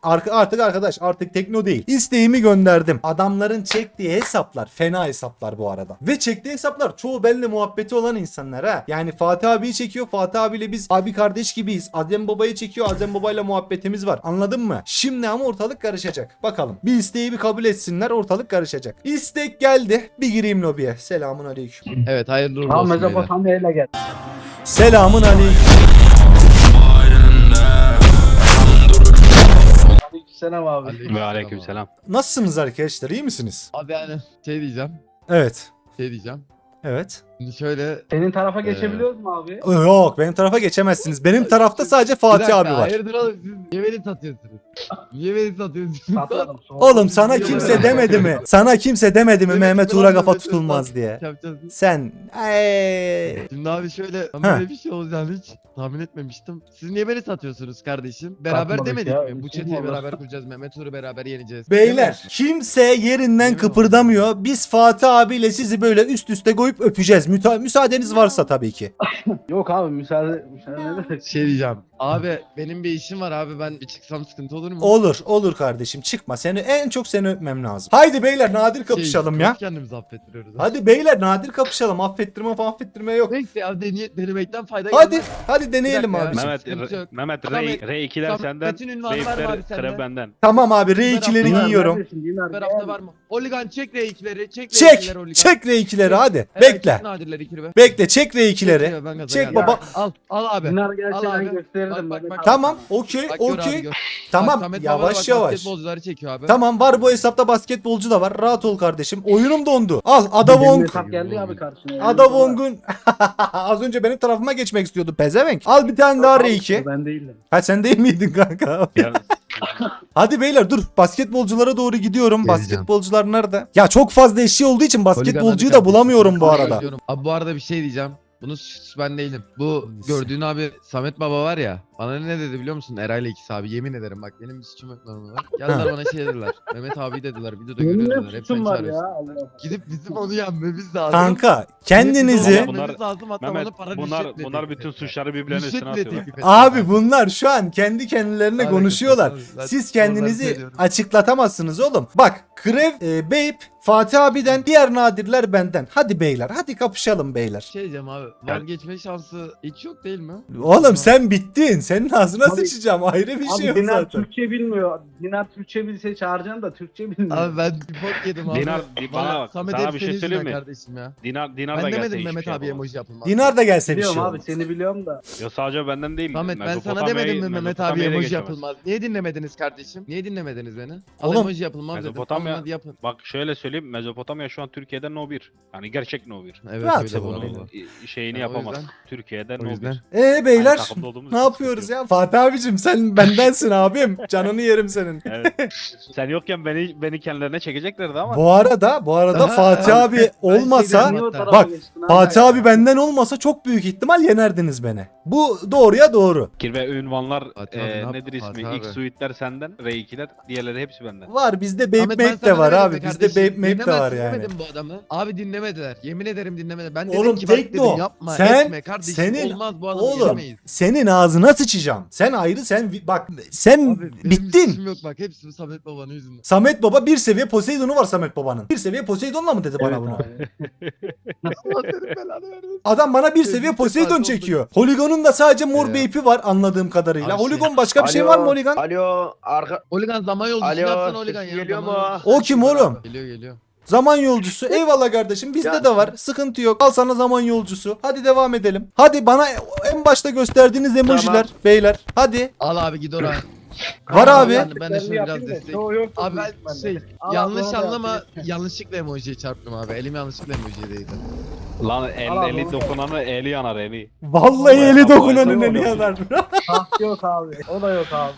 [SPEAKER 1] Artık tekno değil. İsteğimi gönderdim. Adamların çektiği hesaplar fena hesaplar bu arada. Ve çektiği hesaplar çoğu benimle muhabbeti olan insanlar ha. Yani Fatih abiyi çekiyor. Fatih abiyle biz abi kardeş gibiyiz. Azem babayı çekiyor. Azem babayla muhabbetimiz var. Anladın mı? Şimdi ama ortalık karışacak. Bakalım. Bir isteği bir kabul etsinler. Ortalık karışacak. İstek geldi. Bir gireyim lobiye. Selamun aleyküm.
[SPEAKER 3] Evet hayırlı uğurlu
[SPEAKER 4] Tamam
[SPEAKER 3] olsun. beyler.
[SPEAKER 4] Mezopotamya ile gel.
[SPEAKER 1] Selamun aleyküm.
[SPEAKER 4] Aleykümselam abi.
[SPEAKER 5] Ve aleykümselam.
[SPEAKER 1] Nasılsınız arkadaşlar? İyi misiniz?
[SPEAKER 3] Abi yani diyeceğim.
[SPEAKER 1] Evet. Evet.
[SPEAKER 3] Şimdi şöyle
[SPEAKER 4] Senin tarafa geçebiliyoruz mu abi?
[SPEAKER 1] Yok benim tarafa geçemezsiniz. Benim tarafta sadece
[SPEAKER 3] Bir
[SPEAKER 1] Fatih
[SPEAKER 3] dakika,
[SPEAKER 1] abi var.
[SPEAKER 3] Hayırdır oğlum siz niye beni satıyorsunuz? Niye beni satıyorsunuz?
[SPEAKER 4] Satmadım.
[SPEAKER 1] Oğlum sana kimse demedi mi? Sana kimse demedi mi
[SPEAKER 3] Evet,
[SPEAKER 1] Mehmet
[SPEAKER 3] bravo,
[SPEAKER 1] Uğur'a kafa
[SPEAKER 3] Mehmet Uğur
[SPEAKER 1] tutulmaz
[SPEAKER 3] bak.
[SPEAKER 1] diye?
[SPEAKER 3] Yapacağız.
[SPEAKER 1] Sen
[SPEAKER 3] Şimdi abi şöyle ben
[SPEAKER 1] Ha.
[SPEAKER 3] böyle bir şey olacağını hiç tahmin etmemiştim. Siz niye beni satıyorsunuz kardeşim? Beraber
[SPEAKER 4] Satmadık
[SPEAKER 3] demedik
[SPEAKER 4] ya,
[SPEAKER 3] mi? Bu
[SPEAKER 4] kim
[SPEAKER 3] çeteyi
[SPEAKER 4] olur?
[SPEAKER 3] beraber kuracağız. Mehmet Uğur'u beraber yeneceğiz.
[SPEAKER 1] beyler kimse yerinden
[SPEAKER 3] Yemin
[SPEAKER 1] kıpırdamıyor. Biz Fatih abiyle sizi böyle üst üste koyup öpeceğiz. Müsaadeniz varsa tabii ki.
[SPEAKER 4] Yok abi müsaade ne demek?
[SPEAKER 3] Şey diyeceğim. Abi benim bir işim var abi, ben bir çıksam sıkıntı olur mu?
[SPEAKER 1] Olur kardeşim, çıkma. En çok seni öpmem lazım. Haydi beyler, nadir kapışalım ya.
[SPEAKER 3] Kendimizi affettiriyoruz.
[SPEAKER 1] Hadi beyler, nadir kapışalım. Affettirme yok.
[SPEAKER 3] Neyse ya, denemekten fayda
[SPEAKER 1] Hadi
[SPEAKER 3] gelmez.
[SPEAKER 1] hadi deneyelim
[SPEAKER 3] Bir dakika
[SPEAKER 1] abi.
[SPEAKER 3] ya.
[SPEAKER 5] Mehmet,
[SPEAKER 3] sıkıntı yok.
[SPEAKER 5] Mehmet
[SPEAKER 3] Samet-
[SPEAKER 5] R2'ler senden,
[SPEAKER 3] Samet'in ünvanı var mı abi
[SPEAKER 5] R3'ler
[SPEAKER 3] sende?
[SPEAKER 5] Krev benden.
[SPEAKER 1] Tamam abi, R2'leri
[SPEAKER 3] Dinar,
[SPEAKER 1] giyiyorum.
[SPEAKER 4] Neredesin Dinar?
[SPEAKER 3] Her hafta var mı? Oligan çek R2'leri, çek
[SPEAKER 1] Çek.
[SPEAKER 3] R2'leri Oligan.
[SPEAKER 1] Çek R2'leri hadi.
[SPEAKER 3] Evet,
[SPEAKER 1] Bekle.
[SPEAKER 3] çek nadirleri ikili be.
[SPEAKER 1] Bekle, çek R2'leri.
[SPEAKER 3] Ben gaza
[SPEAKER 1] Çek
[SPEAKER 3] geldim.
[SPEAKER 1] baba.
[SPEAKER 3] Al abi.
[SPEAKER 4] Dinar gelse
[SPEAKER 3] Al
[SPEAKER 4] ben
[SPEAKER 3] abi.
[SPEAKER 4] gösterirdim.
[SPEAKER 3] Bak,
[SPEAKER 4] Mehmet
[SPEAKER 3] bak,
[SPEAKER 4] abi.
[SPEAKER 1] Tamam, okey,
[SPEAKER 3] Bak, gör abi,
[SPEAKER 1] okey.
[SPEAKER 3] gör. Bak,
[SPEAKER 1] Tamam,
[SPEAKER 3] Samet Baba'da
[SPEAKER 1] yavaş
[SPEAKER 3] bak,
[SPEAKER 1] yavaş.
[SPEAKER 3] basketbolcuları çekiyor abi.
[SPEAKER 1] Tamam, var bu hesapta basketbolcu da var. Rahat ol kardeşim. Oyunum dondu. Al
[SPEAKER 4] Benim
[SPEAKER 1] Adavong.
[SPEAKER 4] hesap geldi abi karşına.
[SPEAKER 1] Adavong'un az önce benim tarafıma geçmek istiyordu pezevenk. Al bir tane daha R2.
[SPEAKER 4] Ben değildim.
[SPEAKER 1] Ha, sen değil miydin kanka?
[SPEAKER 5] Ya,
[SPEAKER 1] Hadi beyler dur, basketbolculara doğru gidiyorum.
[SPEAKER 3] Geleceğim.
[SPEAKER 1] Basketbolcular nerede? Ya çok fazla eşya olduğu için basketbolcuyu
[SPEAKER 3] Oligan
[SPEAKER 1] da
[SPEAKER 3] hadi
[SPEAKER 1] bulamıyorum bu
[SPEAKER 3] kardeşim.
[SPEAKER 1] arada.
[SPEAKER 3] Diyorum. Abi bu arada bir şey diyeceğim. Bunu ben değilim. Bu gördüğün abi Samet Baba var ya. Bana ne dedi biliyor musun? Eray'la ikisi abi. Yemin ederim bak, benim bir suçum yok normal. Geldiler bana şey dediler. Mehmet abi dediler. Videoda
[SPEAKER 4] Benim
[SPEAKER 3] görüyoruz
[SPEAKER 4] ne
[SPEAKER 3] dediler. Hep
[SPEAKER 4] suçum
[SPEAKER 3] sen
[SPEAKER 4] var
[SPEAKER 3] çağırıyorsun.
[SPEAKER 4] ya. Allah.
[SPEAKER 3] Gidip bizim onu yenmemiz lazım.
[SPEAKER 1] Kanka kendinizi
[SPEAKER 5] Bunlar-
[SPEAKER 3] Yenmemiz lazım, hatta
[SPEAKER 5] Mehmet,
[SPEAKER 3] bana para
[SPEAKER 5] bunlar
[SPEAKER 3] rüşvetle
[SPEAKER 5] bunlar
[SPEAKER 3] teklif
[SPEAKER 5] bütün
[SPEAKER 3] ettiler.
[SPEAKER 5] suçları birbirlerine üstüne
[SPEAKER 3] Rüşvetle
[SPEAKER 5] atıyorlar.
[SPEAKER 3] teklif ettiler.
[SPEAKER 1] abi, bunlar şu an kendi kendilerine
[SPEAKER 3] Alakası
[SPEAKER 1] konuşuyorlar.
[SPEAKER 3] yok abi. Ben
[SPEAKER 1] Siz
[SPEAKER 3] oraları
[SPEAKER 1] kendinizi
[SPEAKER 3] söylüyorum.
[SPEAKER 1] açıklatamazsınız oğlum. Bak, Krev, Beyp, Fatih abiden, diğer nadirler benden. Hadi beyler, hadi kapışalım beyler.
[SPEAKER 3] Şey diyeceğim abi, vazgeçme şansı hiç yok değil mi?
[SPEAKER 1] Oğlum sen bittin. Senin ağzına
[SPEAKER 4] Abi-
[SPEAKER 1] sıçacağım. Ayrı bir şey
[SPEAKER 4] Abi
[SPEAKER 1] yok
[SPEAKER 4] Dinar
[SPEAKER 1] zaten.
[SPEAKER 4] Türkçe bilmiyor. Dinar Türkçe bilse çağıracaksın da Türkçe bilmiyor.
[SPEAKER 3] Abi ben bir bok yedim abi.
[SPEAKER 5] Dinar, bana bak,
[SPEAKER 3] Samet
[SPEAKER 5] sana
[SPEAKER 3] hep
[SPEAKER 5] bir şey
[SPEAKER 3] senin
[SPEAKER 5] söyleyeyim
[SPEAKER 3] yüzünden
[SPEAKER 5] mi?
[SPEAKER 3] kardeşim ya.
[SPEAKER 5] Dinar da
[SPEAKER 3] Ben
[SPEAKER 5] gelse
[SPEAKER 3] demedim
[SPEAKER 5] hiçbir
[SPEAKER 3] Mehmet
[SPEAKER 5] şey
[SPEAKER 3] abi
[SPEAKER 5] yapamaz.
[SPEAKER 3] emoji yapılmaz.
[SPEAKER 1] Dinar da gelse bir
[SPEAKER 4] Biliyorum
[SPEAKER 1] şey
[SPEAKER 4] abi
[SPEAKER 1] olmaz.
[SPEAKER 4] seni biliyorum da.
[SPEAKER 5] Ya sadece benden değil.
[SPEAKER 3] Samet, ben sana
[SPEAKER 5] Mezopotamya'yı-
[SPEAKER 3] demedim mi Mehmet abi
[SPEAKER 5] Mezopotamya'yı da
[SPEAKER 3] emoji
[SPEAKER 5] geçemez.
[SPEAKER 3] yapılmaz? Niye dinlemediniz kardeşim? Niye dinlemediniz beni? Al
[SPEAKER 1] Oğlum,
[SPEAKER 3] emoji yapılmaz dedim.
[SPEAKER 5] Mezopotamya-
[SPEAKER 3] Alın hadi yapın.
[SPEAKER 5] Bak şöyle söyleyeyim, Mezopotamya şu an Türkiye'den No 1. Yani gerçek No 1.
[SPEAKER 3] Evet
[SPEAKER 1] Rahat
[SPEAKER 3] öyle
[SPEAKER 1] ol
[SPEAKER 3] bu
[SPEAKER 1] oğlum.
[SPEAKER 3] arada.
[SPEAKER 5] Şeyini
[SPEAKER 3] Ya, o
[SPEAKER 5] yapamaz.
[SPEAKER 3] yüzden-
[SPEAKER 5] Türkiye'den
[SPEAKER 3] O
[SPEAKER 5] No
[SPEAKER 3] yüzden.
[SPEAKER 5] 1.
[SPEAKER 1] Beyler
[SPEAKER 5] Aynı takımda olduğumuz
[SPEAKER 1] ne
[SPEAKER 5] için
[SPEAKER 1] yapıyoruz
[SPEAKER 5] sıkıntı
[SPEAKER 1] ya? Fatih abicim sen bendensin abim. Canını yerim senin.
[SPEAKER 5] Evet. Sen yokken beni kendilerine çekeceklerdi ama.
[SPEAKER 1] Bu arada
[SPEAKER 3] Aha,
[SPEAKER 1] Fatih
[SPEAKER 3] evet.
[SPEAKER 1] abi
[SPEAKER 3] Ben
[SPEAKER 1] olmasa,
[SPEAKER 3] şey
[SPEAKER 4] Niye o
[SPEAKER 3] Hatta-
[SPEAKER 4] tarafa
[SPEAKER 1] bak,
[SPEAKER 4] geçtin abi?
[SPEAKER 1] Fatih abi benden olmasa çok büyük ihtimal yenerdiniz beni. Bu doğruya doğru.
[SPEAKER 5] Kirve ünvanlar
[SPEAKER 3] Fatih abi ne yaptı
[SPEAKER 5] nedir ismi?
[SPEAKER 3] Fatih
[SPEAKER 5] X
[SPEAKER 3] abi?
[SPEAKER 5] suite'ler senden, R2'ler, diğerleri hepsi benden.
[SPEAKER 1] Var bizde Bape
[SPEAKER 3] Ahmet, ben
[SPEAKER 1] Mape
[SPEAKER 3] sana
[SPEAKER 1] de var
[SPEAKER 3] demedim
[SPEAKER 1] abi.
[SPEAKER 3] mi
[SPEAKER 1] Bizde
[SPEAKER 3] kardeşim?
[SPEAKER 1] Bape Mape de var
[SPEAKER 3] Dinlemez,
[SPEAKER 1] yani.
[SPEAKER 3] dinlemedim bu adamı. Abi dinlemediler. Yemin ederim dinlemediler. Ben dedim
[SPEAKER 1] Oğlum
[SPEAKER 3] ki bak
[SPEAKER 1] Tekno,
[SPEAKER 3] dedim yapma
[SPEAKER 1] sen-
[SPEAKER 3] etme kardeşim
[SPEAKER 1] senin-
[SPEAKER 3] olmaz bu adamı
[SPEAKER 1] Oğlum
[SPEAKER 3] yenemeyiz.
[SPEAKER 1] senin ağzına sıçacağım. Sen ayrı, bak sen
[SPEAKER 3] Abi, benim
[SPEAKER 1] bittin.
[SPEAKER 3] suçum yok bak, hepsi Samet Baba'nın yüzünden.
[SPEAKER 1] Samet Baba bir seviye Poseidon'u var Samet Baba'nın. Bir seviye Poseidon'la mı dedi bana
[SPEAKER 4] Evet
[SPEAKER 1] bunu?
[SPEAKER 4] abi.
[SPEAKER 3] Allah senin belanı vermesin.
[SPEAKER 1] Adam bana bir
[SPEAKER 3] Sevgili
[SPEAKER 1] seviye
[SPEAKER 3] de
[SPEAKER 1] Poseidon
[SPEAKER 3] farklı
[SPEAKER 1] çekiyor. Holigon'un da sadece mor
[SPEAKER 3] Ya.
[SPEAKER 1] Bape'i var anladığım kadarıyla.
[SPEAKER 3] Abi
[SPEAKER 1] Holigon başka bir şey var mı Holigon?
[SPEAKER 2] Alo arka.
[SPEAKER 3] Oligan zaman yolcusu
[SPEAKER 2] Alo,
[SPEAKER 3] yapsana Oligan
[SPEAKER 2] sesim
[SPEAKER 3] ya.
[SPEAKER 2] geliyor
[SPEAKER 3] zaman
[SPEAKER 2] mu?
[SPEAKER 3] yolcusu.
[SPEAKER 1] O kim oğlum?
[SPEAKER 3] Geliyor.
[SPEAKER 1] Zaman yolcusu. Eyvallah kardeşim. Bizde
[SPEAKER 2] Ya.
[SPEAKER 1] de var. Sıkıntı yok. Al sana zaman yolcusu. Hadi devam edelim. Hadi bana en başta gösterdiğiniz emojiler beyler. Hadi.
[SPEAKER 3] Al abi git oraya.
[SPEAKER 1] Var abi.
[SPEAKER 3] Ben de şimdi biraz destek. Abi ben şey yanlış anlama, yanlışlıkla emojiye çarptım abi. Elim yanlışlıkla emojiye değdi.
[SPEAKER 5] Lan
[SPEAKER 4] Al abi,
[SPEAKER 5] eli
[SPEAKER 4] onu
[SPEAKER 5] dokunanı eli yanar eli.
[SPEAKER 1] Vallahi eli
[SPEAKER 5] Bayağı
[SPEAKER 1] dokunanın
[SPEAKER 4] bayağı
[SPEAKER 1] eli yanar.
[SPEAKER 4] Taht yok abi. O da yok abi.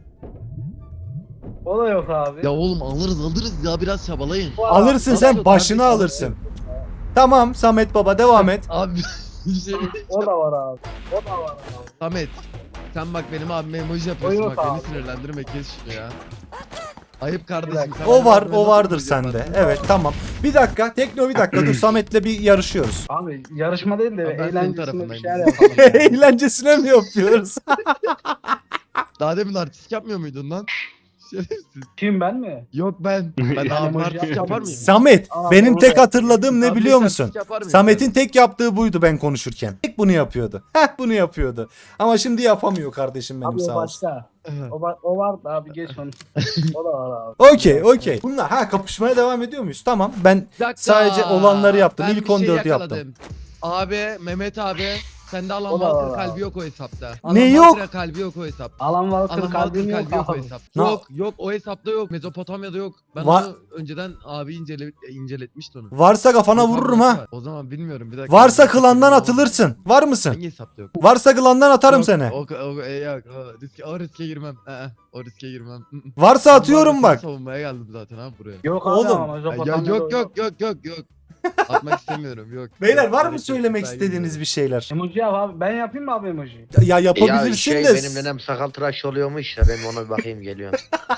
[SPEAKER 4] O da yok abi.
[SPEAKER 3] Ya oğlum alırız ya, biraz çabalayın.
[SPEAKER 1] Alırsın sen, başını alırsın. Tamam Samet Baba devam et.
[SPEAKER 3] Abi bir şey
[SPEAKER 4] O da var abi. O da var abi.
[SPEAKER 3] Samet, sen bak benim abime emoji yapıyorsun,
[SPEAKER 4] yok
[SPEAKER 3] bak beni
[SPEAKER 4] abi.
[SPEAKER 3] sinirlendirme, kes şunu ya. Ayıp kardeşim. sen
[SPEAKER 1] O
[SPEAKER 3] benim
[SPEAKER 1] var,
[SPEAKER 3] abime
[SPEAKER 1] o
[SPEAKER 3] nasıl
[SPEAKER 1] vardır
[SPEAKER 3] emoji
[SPEAKER 1] sende.
[SPEAKER 3] yaparsın?
[SPEAKER 1] Evet tamam. Bir dakika Tekno, bir dakika dur, Samet'le bir yarışıyoruz.
[SPEAKER 4] Abi yarışma değil de
[SPEAKER 3] Abi ben senin
[SPEAKER 4] eğlencesine bir
[SPEAKER 3] tarafındayım.
[SPEAKER 4] şeyler yapalım.
[SPEAKER 1] Eğlencesine mi yapıyoruz?
[SPEAKER 3] Daha demin artistik yapmıyor muydun lan? Şerefsiz.
[SPEAKER 4] Kim ben mi?
[SPEAKER 3] Yok ben. Ben
[SPEAKER 4] Yani
[SPEAKER 3] abi
[SPEAKER 4] emoji
[SPEAKER 3] artistik yapar mıyım?
[SPEAKER 1] Samet,
[SPEAKER 4] Aa,
[SPEAKER 1] benim
[SPEAKER 4] onu
[SPEAKER 1] tek
[SPEAKER 4] da-
[SPEAKER 1] hatırladığım ne
[SPEAKER 3] Abi
[SPEAKER 1] biliyor
[SPEAKER 3] hiç
[SPEAKER 1] musun?
[SPEAKER 3] artistik yapar mıyım?
[SPEAKER 1] Samet'in tek yaptığı buydu ben konuşurken. Tek bunu yapıyordu. Heh, bunu yapıyordu. Ama şimdi yapamıyor kardeşim benim
[SPEAKER 4] Abi o
[SPEAKER 1] sağ olsun.
[SPEAKER 4] başka.
[SPEAKER 3] Evet.
[SPEAKER 4] O var da abi geç onu. O da var abi.
[SPEAKER 1] Okey. Bunlar kapışmaya devam ediyor muyuz? Tamam. Ben
[SPEAKER 3] Bir dakika.
[SPEAKER 1] sadece olanları yaptım.
[SPEAKER 3] Ben
[SPEAKER 1] İlk
[SPEAKER 3] bir şey
[SPEAKER 1] 14'ü
[SPEAKER 3] yakaladım.
[SPEAKER 1] yaptım.
[SPEAKER 3] Abi Mehmet abi, sende Alan
[SPEAKER 4] O da
[SPEAKER 3] Walker
[SPEAKER 4] var
[SPEAKER 3] kalbi
[SPEAKER 4] abi.
[SPEAKER 3] yok o hesapta.
[SPEAKER 1] Ne yok?
[SPEAKER 3] Walker'a kalbi yok o hesapta.
[SPEAKER 4] Alan
[SPEAKER 3] Alan
[SPEAKER 4] Walker
[SPEAKER 3] Walker
[SPEAKER 4] kalbim yok
[SPEAKER 3] kalbi yok o
[SPEAKER 4] abi.
[SPEAKER 3] hesapta.
[SPEAKER 1] Ne-
[SPEAKER 3] Yok o hesapta yok. Mezopotamya'da yok. Ben
[SPEAKER 1] Va-
[SPEAKER 3] onu önceden abi inceletmişti onu.
[SPEAKER 1] Varsa kafana
[SPEAKER 3] Yok abi,
[SPEAKER 1] vururum
[SPEAKER 3] nasıl
[SPEAKER 1] ha.
[SPEAKER 3] var? O zaman bilmiyorum, bir dakika.
[SPEAKER 1] Varsa klandan atılırsın. Var mısın?
[SPEAKER 3] Hangi hesapta yok?
[SPEAKER 1] Varsa klandan atarım
[SPEAKER 3] Yok,
[SPEAKER 1] seni.
[SPEAKER 3] yok, o riske girmem. O riske girmem.
[SPEAKER 1] Varsa atıyorum
[SPEAKER 3] Ben
[SPEAKER 1] bak.
[SPEAKER 3] savunmaya geldim zaten abi buraya.
[SPEAKER 4] Yok abi
[SPEAKER 1] Oğlum.
[SPEAKER 4] ama
[SPEAKER 3] Ay,
[SPEAKER 4] Mezopotamya'da
[SPEAKER 3] yok. Atmak istemiyorum, yok.
[SPEAKER 1] Beyler
[SPEAKER 3] Yok,
[SPEAKER 1] var mı
[SPEAKER 3] gerek yok.
[SPEAKER 1] söylemek
[SPEAKER 3] Ben
[SPEAKER 1] istediğiniz bir şeyler?
[SPEAKER 4] Emoji yap abi. Ben yapayım mı abi emoji?
[SPEAKER 1] Ya yapabilirsin
[SPEAKER 2] Ya
[SPEAKER 1] de.
[SPEAKER 2] benim nenem sakal tıraş oluyormuş ya, ben ona bir bakayım geliyorum.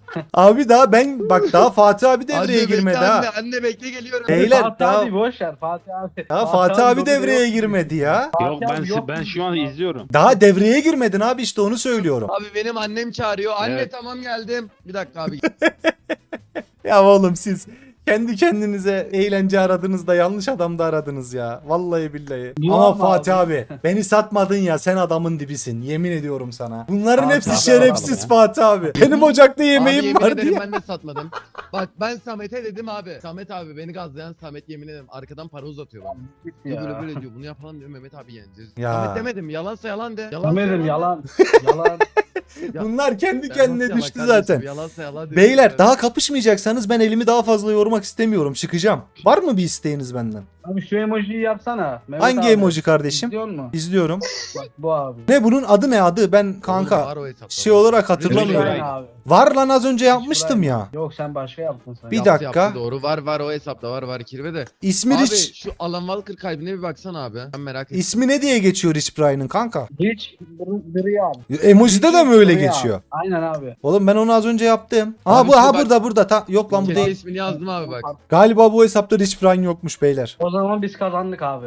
[SPEAKER 1] Abi daha Fatih abi devreye
[SPEAKER 3] Anne bekle,
[SPEAKER 1] girmedi
[SPEAKER 3] anne,
[SPEAKER 1] ha.
[SPEAKER 3] anne bekle geliyorum.
[SPEAKER 1] Beyler,
[SPEAKER 4] Fatih
[SPEAKER 1] daha-
[SPEAKER 4] abi boş ver Fatih abi.
[SPEAKER 1] Ya Fatih abi
[SPEAKER 4] lobide
[SPEAKER 1] devreye
[SPEAKER 4] yok.
[SPEAKER 1] girmedi ya.
[SPEAKER 5] Yok
[SPEAKER 4] Fatih abi yok
[SPEAKER 5] ben şu an
[SPEAKER 4] bizim.
[SPEAKER 5] izliyorum.
[SPEAKER 1] Daha devreye girmedin abi, işte onu söylüyorum.
[SPEAKER 3] Abi benim annem çağırıyor. Anne
[SPEAKER 5] Evet.
[SPEAKER 3] tamam geldim. Bir dakika abi.
[SPEAKER 1] Ya oğlum siz kendi kendinize eğlence aradınız da yanlış adamda aradınız ya. Vallahi billahi.
[SPEAKER 4] Bu
[SPEAKER 1] Ama
[SPEAKER 4] ama
[SPEAKER 1] Fatih
[SPEAKER 4] abi.
[SPEAKER 1] abi beni satmadın ya, sen adamın dibisin. Yemin ediyorum sana. Bunların
[SPEAKER 4] Fatih
[SPEAKER 1] hepsi
[SPEAKER 4] abi
[SPEAKER 1] şerefsiz
[SPEAKER 5] adam ya.
[SPEAKER 1] Fatih abi. Benim ocakta
[SPEAKER 3] Abi
[SPEAKER 1] yemeğim
[SPEAKER 3] yemin
[SPEAKER 1] var
[SPEAKER 3] ederim
[SPEAKER 1] diye.
[SPEAKER 3] ben de satmadım. Bak ben Samet'e dedim abi. Samet abi beni gazlayan Samet, yemin ederim arkadan para uzatıyor bana. Diyor böyle
[SPEAKER 4] Ya.
[SPEAKER 3] böyle diyor. Bunu yapalım diyor, Mehmet abi yeneceğiz.
[SPEAKER 1] Ya.
[SPEAKER 3] Samet demedim, yalansa yalan de. Yalansa
[SPEAKER 4] Samet'im yalan. Yalan.
[SPEAKER 3] Ya-
[SPEAKER 1] Bunlar kendi
[SPEAKER 3] Yalansa
[SPEAKER 1] kendine
[SPEAKER 3] yalan
[SPEAKER 1] düştü
[SPEAKER 3] kardeşim,
[SPEAKER 1] zaten.
[SPEAKER 3] Yalansa yalan diyor.
[SPEAKER 1] Beyler daha kapışmayacaksanız ben elimi daha fazla yormak istemiyorum. Çıkacağım. Var mı bir isteğiniz benden?
[SPEAKER 4] Abi şu emojiyi yapsana. Mehmet
[SPEAKER 1] Hangi
[SPEAKER 4] abi.
[SPEAKER 1] emoji kardeşim?
[SPEAKER 4] İzliyor musun?
[SPEAKER 1] İzliyorum.
[SPEAKER 4] Bak bu abi.
[SPEAKER 1] Ne bunun adı, ne adı? Ben
[SPEAKER 3] Oğlum
[SPEAKER 1] kanka
[SPEAKER 3] var o hesapta,
[SPEAKER 1] şey
[SPEAKER 3] var.
[SPEAKER 1] olarak hatırlamıyorum.
[SPEAKER 5] Rich Brian.
[SPEAKER 4] abi.
[SPEAKER 1] Var lan, az önce yapmıştım ya.
[SPEAKER 4] Yok sen başka yaptın sen.
[SPEAKER 1] Bir
[SPEAKER 3] Yaptı,
[SPEAKER 1] dakika.
[SPEAKER 3] yaptı, doğru var o hesapta var kirve de.
[SPEAKER 1] İsmi
[SPEAKER 3] Abi
[SPEAKER 1] Rich.
[SPEAKER 3] şu Alan Walker kalbine bir baksana abi. Ben merak ettim.
[SPEAKER 1] İsmi ne diye geçiyor Rich Brian'ın kanka?
[SPEAKER 4] Hiç dırıyor abi.
[SPEAKER 1] Emojide de mi öyle
[SPEAKER 4] Dırıyor
[SPEAKER 1] geçiyor?
[SPEAKER 4] abi. Aynen abi.
[SPEAKER 1] Oğlum ben onu az önce yaptım. Aa
[SPEAKER 3] Abi
[SPEAKER 1] bu
[SPEAKER 3] şu
[SPEAKER 1] ha
[SPEAKER 3] bak-
[SPEAKER 1] burada. Yok lan bu
[SPEAKER 3] Kendi
[SPEAKER 1] değil.
[SPEAKER 3] ismini yazdım abi bak.
[SPEAKER 1] Galiba bu hesapta Rich Brian yokmuş beyler.
[SPEAKER 4] O zaman biz kazandık abi.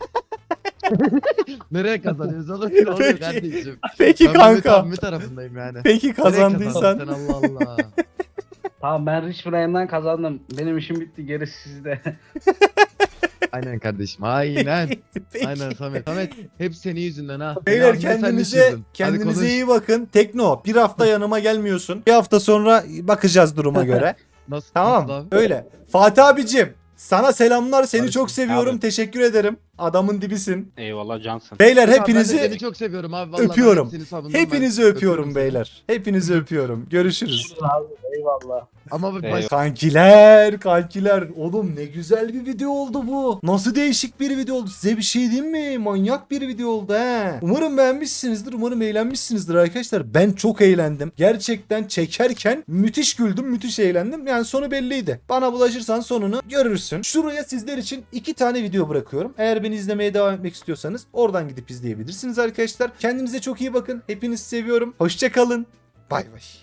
[SPEAKER 3] Nereye kazanıyoruz oğlum? Ne oluyor
[SPEAKER 1] Peki.
[SPEAKER 3] kardeşim?
[SPEAKER 1] Peki
[SPEAKER 3] Ben Mehmet
[SPEAKER 1] kanka.
[SPEAKER 3] abimi tarafındayım yani.
[SPEAKER 1] Peki
[SPEAKER 3] Nereye kazandın
[SPEAKER 1] kazandıysan.
[SPEAKER 3] sen, Allah Allah.
[SPEAKER 4] Tamam ben Rich Brian'dan kazandım. Benim işim bitti, gerisi sizde.
[SPEAKER 3] Aynen kardeşim aynen.
[SPEAKER 1] Peki.
[SPEAKER 3] Aynen Samet. Samet hep senin yüzünden ha.
[SPEAKER 1] Beyler
[SPEAKER 3] Beni sen
[SPEAKER 1] kendinize
[SPEAKER 3] düşürdün. Hadi
[SPEAKER 1] kendinize
[SPEAKER 3] konuş.
[SPEAKER 1] iyi bakın. Tekno bir hafta yanıma gelmiyorsun. Bir hafta sonra bakacağız duruma göre.
[SPEAKER 3] Nasıl,
[SPEAKER 1] Tamam
[SPEAKER 3] nasıl abi?
[SPEAKER 1] öyle. Fatih abicim sana selamlar. Seni
[SPEAKER 3] Barış'ım.
[SPEAKER 1] çok seviyorum.
[SPEAKER 5] Abi.
[SPEAKER 1] Teşekkür ederim. Adamın dibisin.
[SPEAKER 5] Eyvallah cansın.
[SPEAKER 1] Beyler
[SPEAKER 3] Abi ben de
[SPEAKER 1] hepinizi
[SPEAKER 3] seni çok seviyorum abi. Vallahi ben
[SPEAKER 1] öpüyorum.
[SPEAKER 3] hepsini savundum
[SPEAKER 1] hepinizi
[SPEAKER 3] ben.
[SPEAKER 1] öpüyorum
[SPEAKER 3] seni.
[SPEAKER 1] beyler. Hepinizi öpüyorum. Görüşürüz.
[SPEAKER 4] abi eyvallah.
[SPEAKER 3] Ama bir
[SPEAKER 5] Eyvallah.
[SPEAKER 1] Kankiler. Oğlum ne güzel bir video oldu bu. Nasıl değişik bir video oldu. Size bir şey diyeyim mi? Manyak bir video oldu he. Umarım beğenmişsinizdir. Umarım eğlenmişsinizdir arkadaşlar. Ben çok eğlendim. Gerçekten çekerken müthiş güldüm. Müthiş eğlendim. Yani sonu belliydi. Bana bulaşırsan sonunu görürsün. Şuraya sizler için 2 tane video bırakıyorum. Eğer beni izlemeye devam etmek istiyorsanız oradan gidip izleyebilirsiniz arkadaşlar. Kendinize çok iyi bakın. Hepinizi seviyorum. Hoşça kalın. Bay bay.